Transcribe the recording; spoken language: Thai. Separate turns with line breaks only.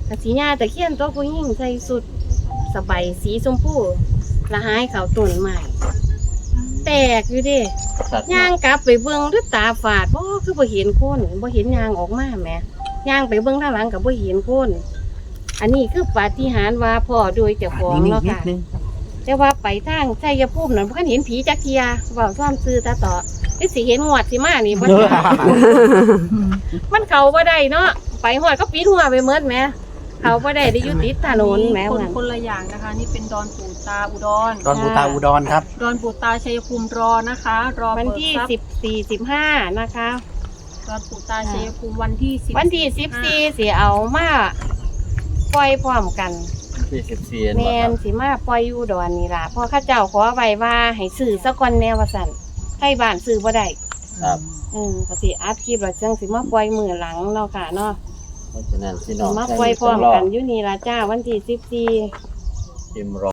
กะสีญาตะเคียนตัวผู้หญิงใส่สุดสบายสีชมพูละหายเขาต้นใหม่แตกอยู่เดิ
สัตว์
ย่างกลับไปเบิ่งด้วยตาฝาดบ่คือบ่เห็นคนบ่เห็นยางออกมาแหมย่างไปเบิ่งทางหลังก็บ่เห็นคนอันนี้คือปาฏิหาริย์ว่าพ่อโดยเจ้าของเนาะค่ะแต่ว่าไปทางชัยภูมินั่นบ่คันเห็นผีจักเทียเว้าซ่อมซื่อตาต่อคือสิเห็นงวดสิมานี่บ่จ้ะ มันเข้าบ่ได้เนาะไปฮอดก็ปิดหัวไปหมดแหมเข้าบ่ได้ได้อยู่ติดถนนแหม
คน
ว่า
คนละอย่างนะคะ นี่เป็นดอนปู่ตาอุดร
ดอนปูตาอุดรครับ
ดอนปู่ตาชัยภูมิรอนะคะ รอ
วัน
เปิด
ที่
ทรัพย์
14 15นะคะ
ดอนปู่ตาชัยภูมิวันที่10
วันที่14สิเอามาปล่อยพร้อมกัน
ที่14
แม่นสิมาปล่อยอยู่ดอนนี่ล่ะเพราะข้าเจ้าขอไว้ว่าให้ซื้อซะก่อนแนวว่าซั่นให้บ้านซื้อบ่ได้
ครับ
ก็สิอัดคลิปแล้วจังสิมาปล่อยมื้อหลังเนาะค่ะเนาะ
เพราะฉะนั้นพี่น้
สิ
อง
มาปล่อยพร้อมกันอยู่นี่ล่ะจ้าวันที่14
พิมพ์รอ